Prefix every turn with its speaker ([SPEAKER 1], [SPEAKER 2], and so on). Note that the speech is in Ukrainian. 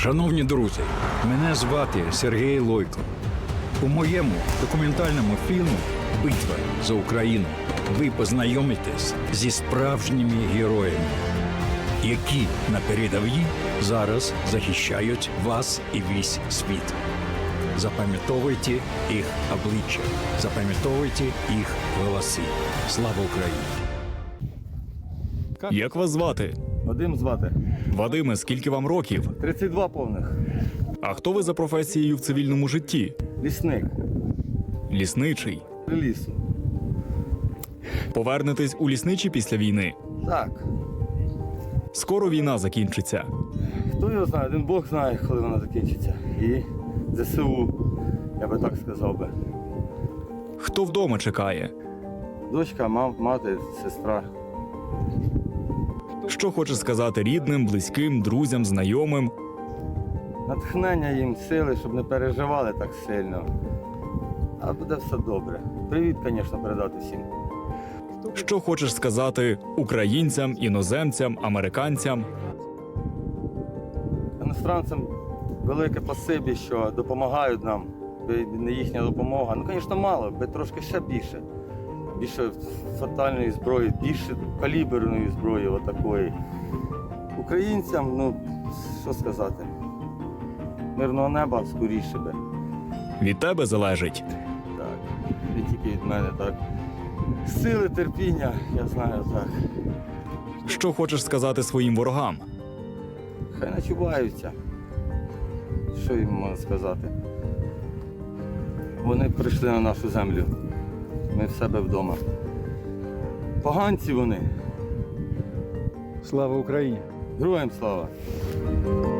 [SPEAKER 1] Шановні друзі, мене звати Сергій Лойко. У моєму документальному фільмі «Битва за Україну» ви познайомитесь зі справжніми героями, які на передовій зараз захищають вас і весь світ. Запам'ятовуйте їх обличчя, запам'ятовуйте їх голоси. Слава Україні!
[SPEAKER 2] Як вас звати?
[SPEAKER 3] Вадим звати.
[SPEAKER 2] Вадиме, скільки вам років?
[SPEAKER 3] 32 повних.
[SPEAKER 2] А хто ви за професією в цивільному житті?
[SPEAKER 3] Лісник.
[SPEAKER 2] Лісничий.
[SPEAKER 3] Лісу.
[SPEAKER 2] Повернетесь у лісничі після війни?
[SPEAKER 3] Так.
[SPEAKER 2] Скоро війна закінчиться.
[SPEAKER 3] Хто його знає? Один Бог знає, коли вона закінчиться. І ЗСУ, я би так сказав би.
[SPEAKER 2] Хто вдома чекає?
[SPEAKER 3] Дочка, мати, сестра.
[SPEAKER 2] Що хочеш сказати рідним, близьким, друзям, знайомим?
[SPEAKER 3] Натхнення їм, сили, щоб не переживали так сильно. А буде все добре. Привіт, звісно, передати всім.
[SPEAKER 2] Що хочеш сказати українцям, іноземцям, американцям?
[SPEAKER 3] Іностранцям велике спасибі, що допомагають нам. Би не їхня допомога. Ну, звісно, мало, би трошки ще більше. Більше фатальної зброї, більше каліберної зброї отакої. Українцям, ну, що сказати, мирного неба скоріше би.
[SPEAKER 2] Від тебе залежить.
[SPEAKER 3] Так, не тільки від мене, так. Сили, терпіння, я знаю, так.
[SPEAKER 2] Що хочеш сказати своїм ворогам?
[SPEAKER 3] Хай начуваються. Що їм можна сказати? Вони прийшли на нашу землю. Ми в себе вдома. Поганці вони.
[SPEAKER 1] Слава Україні!
[SPEAKER 3] Героям слава!